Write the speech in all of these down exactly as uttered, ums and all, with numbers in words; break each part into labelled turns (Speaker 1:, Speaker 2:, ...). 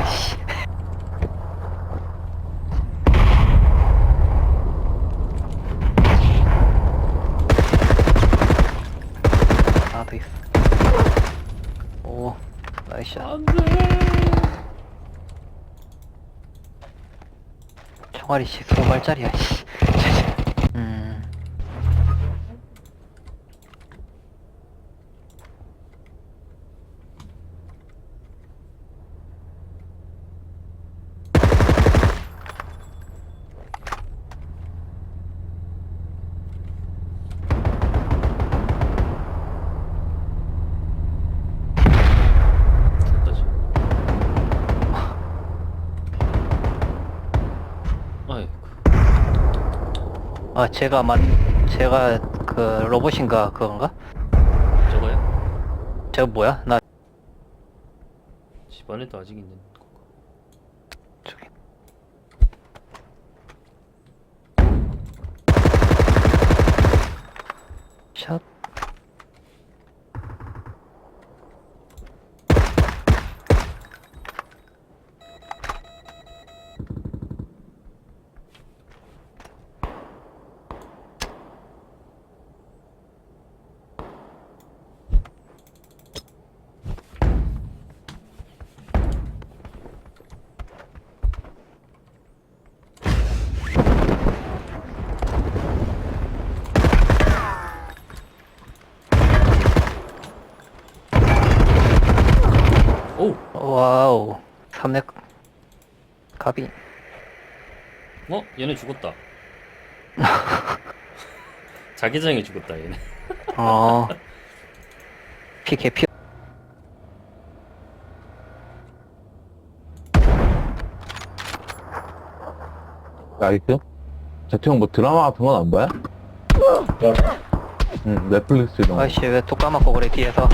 Speaker 1: 씨. 하나 더 있어. 오, 나이스.
Speaker 2: 안돼.
Speaker 1: 총알이 씨 스무 발짜리야. 씨. 음.
Speaker 2: 됐다지. 아이고.
Speaker 1: 아, 제가 만, 제가 그 로봇인가 그건가?
Speaker 2: 저거야?
Speaker 1: 제가 뭐야? 나
Speaker 2: 집안에도 아직 있는 거.
Speaker 1: 저기. 샷.
Speaker 2: 오!
Speaker 1: 와우. 삼렙 가비.
Speaker 2: 어? 얘네 죽었다. 자기장에 죽었다 얘네.
Speaker 1: 어. 피 개피.
Speaker 3: 나이스? 재태형 뭐 드라마 같은 건 안 봐요? 응, 넷플릭스 이런 거.
Speaker 1: 아이씨 왜 또 까먹고 그래 뒤에서.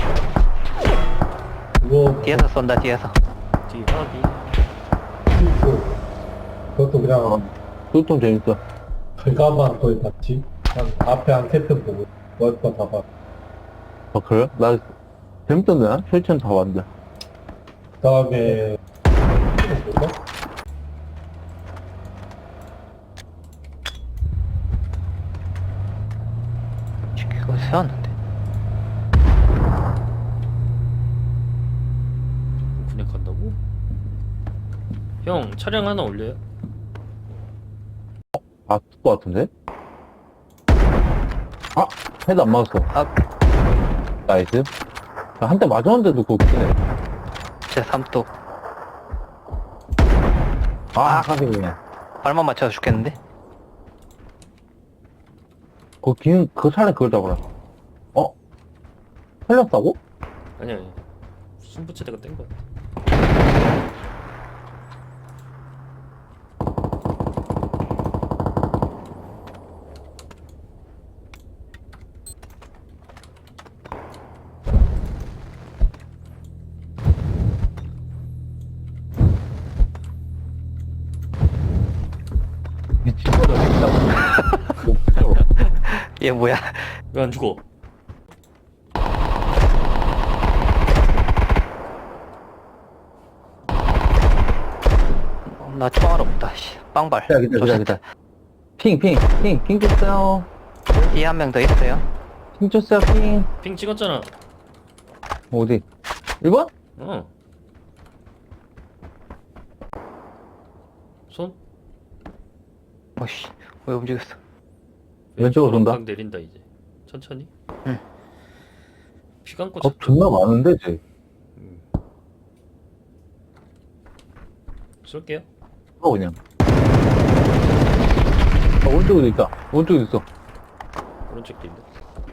Speaker 4: 그거
Speaker 1: 뒤에서 쏜다 뒤에서.
Speaker 2: 뒤 확인.
Speaker 4: 그거 그것도 그냥
Speaker 3: 그것도 재밌어.
Speaker 4: 결과만 거의 봤지. 한 앞에 한 세트 보고 월거 다 봤.
Speaker 3: 아, 그래요? 나 재밌던데, 나? 실천 다 봤는데.
Speaker 4: 그다음에 뭐가?
Speaker 1: 이거 세웠는데.
Speaker 2: 군에 간다고? 형 차량 하나 올려요?
Speaker 3: 봤을 것 같은데? 아! 헤드 안 맞았어.
Speaker 1: 아,
Speaker 3: 나이스. 한 대 맞았는데도 그거 키네.
Speaker 1: 제 삼뚝.
Speaker 3: 아, 가슴이네.
Speaker 1: 발만 맞춰서 죽겠는데?
Speaker 3: 그 긴, 그 차라리 그걸 잡아라. 어? 살렸다고?
Speaker 2: 아니야 아니야. 순부채대가 뗀 거 같아.
Speaker 3: 미친거다, 진짜. 목표로.
Speaker 1: 얘 뭐야?
Speaker 2: 왜 안 죽어?
Speaker 1: 나 총알 없다. 씨. 빵발.
Speaker 3: 기다, 기다, 기다, 기다. 핑, 핑, 핑, 핑 줬어요.
Speaker 1: 뒤에 한 명 더 있어요.
Speaker 3: 핑 줬어요, 핑.
Speaker 2: 핑 찍었잖아.
Speaker 3: 어디? 일 번?
Speaker 2: 어. 손?
Speaker 1: 어씨, 왜 움직였어?
Speaker 3: 왼쪽으로 돈다.
Speaker 2: 각 내린다 이제. 천천히.
Speaker 1: 응.
Speaker 2: 피 감고
Speaker 3: 어,
Speaker 2: 차-
Speaker 3: 존나 많은데, 쟤.
Speaker 2: 음. 쏠게요.
Speaker 3: 어, 그냥. 아, 오른쪽에도 있다. 오른쪽에도 있어.
Speaker 2: 오른쪽 길인데.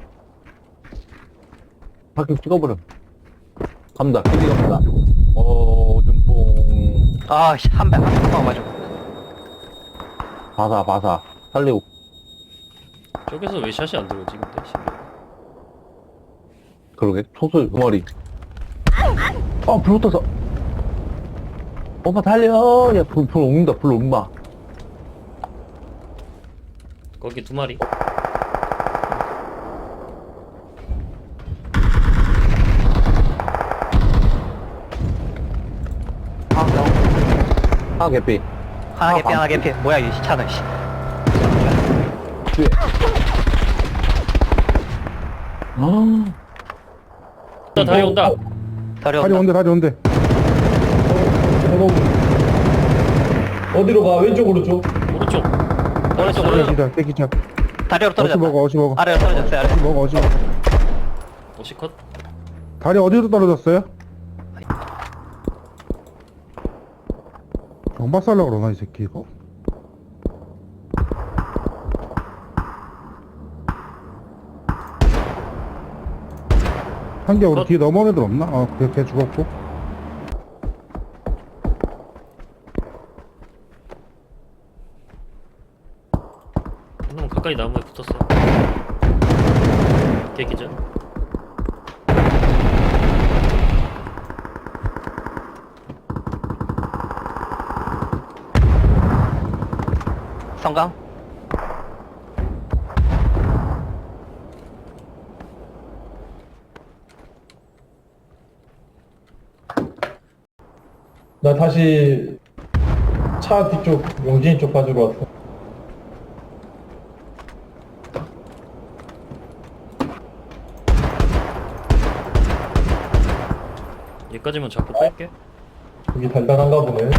Speaker 3: 바퀴 찍어버려. 갑니다. 길이 갑니다. 어, 눈뽕.
Speaker 1: 아, 씨, 한 방, 한 방 맞아.
Speaker 3: 바사, 바사. 살리고.
Speaker 2: 저기서 왜 샷이 안 들어오지 근데 신기해.
Speaker 3: 그러게. 소설 두 마리. 어, 불 붙어서. 오빠 달려. 야, 불, 불 옮긴다. 불 옮마.
Speaker 2: 거기 두 마리.
Speaker 1: 아, 너.
Speaker 3: 하나 개피.
Speaker 1: 하나 개피 하나 개피. 뭐야 이 시차는 씨.
Speaker 3: 뒤에. 아.
Speaker 2: 나 다리 온다.
Speaker 1: 다리
Speaker 5: 다리
Speaker 1: 온다.
Speaker 5: 온대 다리 온대.
Speaker 4: 어, 어디로 가? 왼쪽으로 줘.
Speaker 2: 오른쪽.
Speaker 1: 오른쪽 오른쪽.
Speaker 5: 깨기자 깨기자.
Speaker 1: 다리로
Speaker 5: 어시
Speaker 1: 떨어졌다.
Speaker 5: 먹어 어시 먹어.
Speaker 1: 아래로 떨어졌어요. 아래.
Speaker 5: 어시 먹어 어시 먹어.
Speaker 2: 오시컷.
Speaker 5: 다리 어디로 떨어졌어요? 경박살라 그러나 이 새끼 이거? 한개 우리
Speaker 2: 컷.
Speaker 5: 뒤에 넘어온 애들 없나? 어, 걔, 걔 죽었고.
Speaker 2: 너무 가까이 나무에 붙었어. 개기전.
Speaker 1: 성강.
Speaker 4: 나 다시 차 뒤쪽 용진이 쪽 가지러 왔어.
Speaker 2: 얘까지만 잡고 뺄게.
Speaker 4: 여기 달달한가 보네.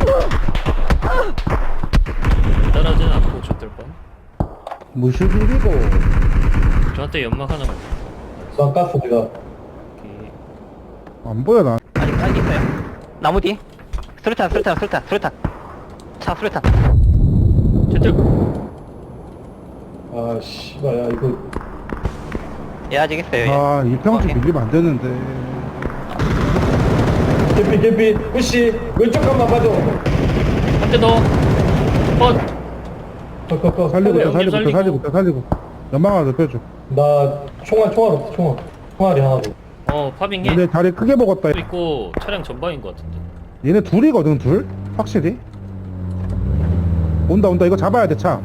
Speaker 2: 따라하지는 않고 줬들 뻔.
Speaker 5: 무실비리고.
Speaker 2: 저한테 연막 하나만.
Speaker 4: 난 가스 내가.
Speaker 2: 여기.
Speaker 5: 안 보여, 나.
Speaker 1: 아직 아직 있어요. 나무 뒤. 수류탄 수류탄 수류탄 수류탄. 차 수류탄.
Speaker 2: 제트.
Speaker 4: 아 씨발 야 이거
Speaker 1: 얘 아직 있어요. 얘.
Speaker 5: 아, 이 평지
Speaker 1: 오케이.
Speaker 5: 밀리면 안 되는데.
Speaker 4: 개피 개피 후씨 왼쪽 간만 봐줘.
Speaker 2: 한 대 더. 컷.
Speaker 4: 컷컷컷.
Speaker 5: 살리고 있다,
Speaker 2: 형님
Speaker 5: 살리고 있다,
Speaker 2: 살리고.
Speaker 5: 살리고 있다, 살리고. 연막 하나 더 펴줘.
Speaker 4: 나 총알 총알 없어 총알. 총알이 하나 더.
Speaker 2: 어 파빙해.
Speaker 5: 근데 다리 크게 먹었다.
Speaker 2: 있고 차량 전방인 것 같은데.
Speaker 5: 얘네 둘이거든, 둘? 확실히. 온다, 온다. 이거 잡아야 돼, 차.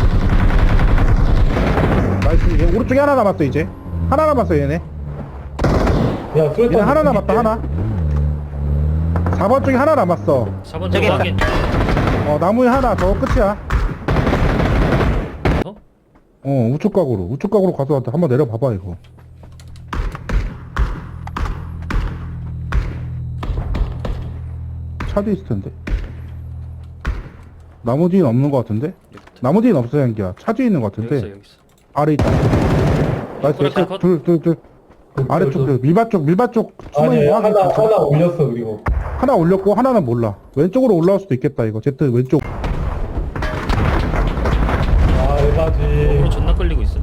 Speaker 5: 나이스. 얘 오른쪽에 하나 남았어, 이제. 하나 남았어, 얘네.
Speaker 4: 야 수류탄.
Speaker 5: 얘네 하나 남았다, 하나. 사 번 쪽에 하나 남았어.
Speaker 2: 사 번
Speaker 1: 저기
Speaker 2: 쪽 확인.
Speaker 5: 어, 나무에 하나, 저 끝이야.
Speaker 2: 어?
Speaker 5: 어, 우측 각으로. 우측 각으로 가서 한번 내려봐봐, 이거. 차도 있을 텐데. 나무 뒤는 없는 것 같은데? 나무 뒤는 없어, 형기야. 차 뒤에 있는 것
Speaker 2: 여기 있어
Speaker 5: 같은데.
Speaker 2: 여기 있어.
Speaker 5: 아래 있다. 나이스,
Speaker 2: 그래,
Speaker 5: 나이스.
Speaker 2: 컷.
Speaker 5: 둘, 둘, 둘. 아래쪽, 둘. 밀밭 쪽, 밀밭 쪽. 숨어
Speaker 4: 아니
Speaker 5: 있는 거
Speaker 4: 하나
Speaker 5: 확인.
Speaker 4: 하나 올렸어 그리고.
Speaker 5: 하나 올렸고, 하나는 몰라. 왼쪽으로 올라올 수도 있겠다, 이거. 제트 왼쪽.
Speaker 4: 아 에바지.
Speaker 2: 어그로 존나 끌리고 있어.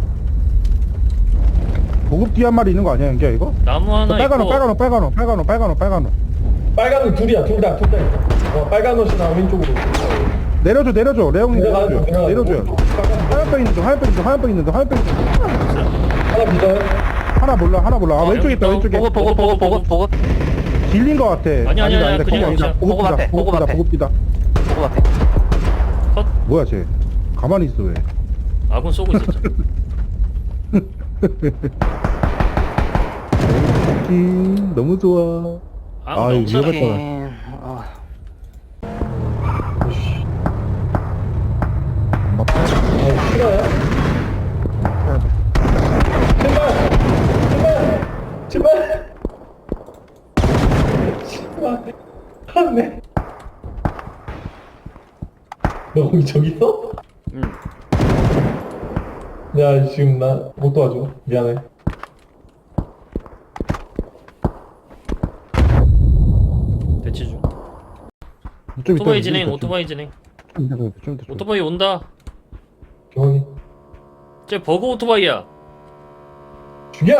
Speaker 5: 보급 뒤에 한 마리 있는 거 아니야, 형기야, 이거?
Speaker 2: 나무 하나
Speaker 5: 빨간 옷,
Speaker 2: 있고.
Speaker 5: 빨간 옷, 빨간 옷, 빨간 옷, 빨간 옷, 빨간 옷.
Speaker 4: 빨간 옷 둘이야 둘 다 둘 다 있어. 어 빨간 옷이나 왼쪽으로.
Speaker 5: 내려줘, 내려줘. 레옹이
Speaker 4: 내려가요,
Speaker 5: 내려줘.
Speaker 4: 내려가요.
Speaker 5: 내려줘요.
Speaker 4: 빨간 옷.
Speaker 5: 하얀병 있는 중, 하얀병 있는 중, 하얀병 있는 중, 하얀병 있는 중.
Speaker 4: 하나 비자요?
Speaker 5: 하나 몰라, 하나 몰라. 아,
Speaker 2: 아,
Speaker 5: 왼쪽에 있다,
Speaker 2: 여기
Speaker 5: 왼쪽에.
Speaker 1: 보급 보급 보급 보급 보급
Speaker 5: 길린 거 같아.
Speaker 2: 아니, 아니,
Speaker 5: 아니다,
Speaker 2: 아니,
Speaker 5: 아니다.
Speaker 2: 그냥
Speaker 5: 거기 아니다.
Speaker 2: 그냥
Speaker 5: 보급
Speaker 1: 보급 앞에,
Speaker 5: 뒤다, 보급
Speaker 1: 보급
Speaker 5: 뒤다,
Speaker 1: 앞에.
Speaker 5: 보급 뒤다.
Speaker 1: 보급 앞에.
Speaker 2: 컷.
Speaker 5: 뭐야, 쟤. 가만히 있어, 왜.
Speaker 2: 아군 쏘고 있었잖아.
Speaker 5: 음, 너무 좋아.
Speaker 2: 아,
Speaker 5: 아,
Speaker 2: 너무
Speaker 5: 이거
Speaker 2: 잘해.
Speaker 5: 위험했다.
Speaker 1: 음, 어.
Speaker 5: 막,
Speaker 4: 아 싫어요? 제발 제발 제발 제발 안돼. 너 거기 저기 있어?
Speaker 2: 응.
Speaker 4: 야 지금 나 못 도와줘 미안해.
Speaker 2: 대치 중.
Speaker 5: 좀 이따,
Speaker 2: 오토바이
Speaker 5: 좀
Speaker 2: 진행.
Speaker 5: 이따,
Speaker 2: 오토바이 진행.
Speaker 5: 좀 이따, 좀 이따, 좀 이따.
Speaker 2: 오토바이 온다.
Speaker 4: 경원이
Speaker 2: 쟤 버거 오토바이야.
Speaker 4: 죽여.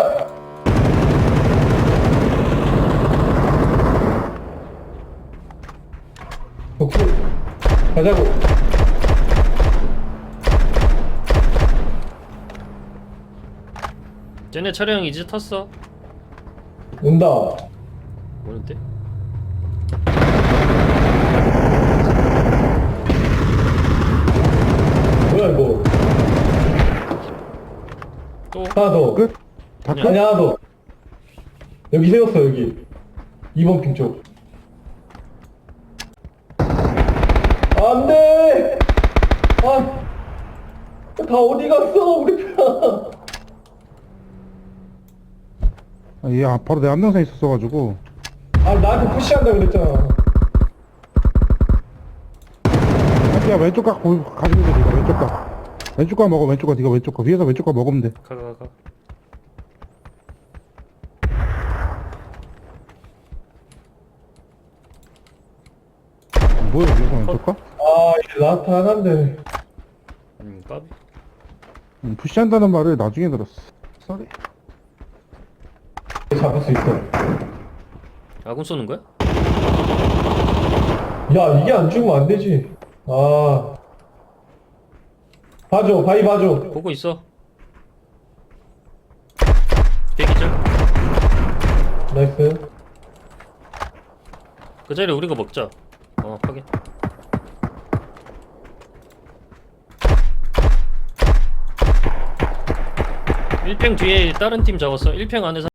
Speaker 4: 덕후 가자고.
Speaker 2: 쟤네 차량 이제 탔어.
Speaker 4: 온다.
Speaker 2: 오는데?
Speaker 4: 뭐야 이거.
Speaker 2: 또
Speaker 4: 하나 더.
Speaker 5: 끝? 다
Speaker 2: 아니야.
Speaker 5: 끝?
Speaker 4: 아니 하나 더. 여기 세웠어 여기. 이 번 핑 쪽. 안 돼! 아, 다 어디 갔어, 우리 편.
Speaker 5: 아, 얘 아, 바로 내 앞동생에 있었어가지고.
Speaker 4: 아, 나한테 푸시한다 그랬잖아.
Speaker 5: 야, 왼쪽 각 보- 가지고 있어, 네가 왼쪽 각. 왼쪽 각 먹어, 왼쪽 각. 네가 왼쪽 각. 위에서 왼쪽 각 먹으면 돼.
Speaker 2: 가 가 가.
Speaker 5: 뭐야, 위에서 왼쪽 각?
Speaker 4: 아, 이게 라트 하나인데.
Speaker 2: 음 까비.
Speaker 5: 음, 푸시한다는 말을 나중에 들었어. 쏘리.
Speaker 4: 잡을 수 있어.
Speaker 2: 아군 쏘는 거야?
Speaker 4: 야, 이게 안 죽으면 안 되지. 아. 봐줘, 바위 봐줘.
Speaker 2: 보고 있어. 대기절.
Speaker 4: 나이스.
Speaker 2: 그 자리 우리가 먹자. 어 확인. 일 평 뒤에 다른 팀 잡았어. 일 평 안에서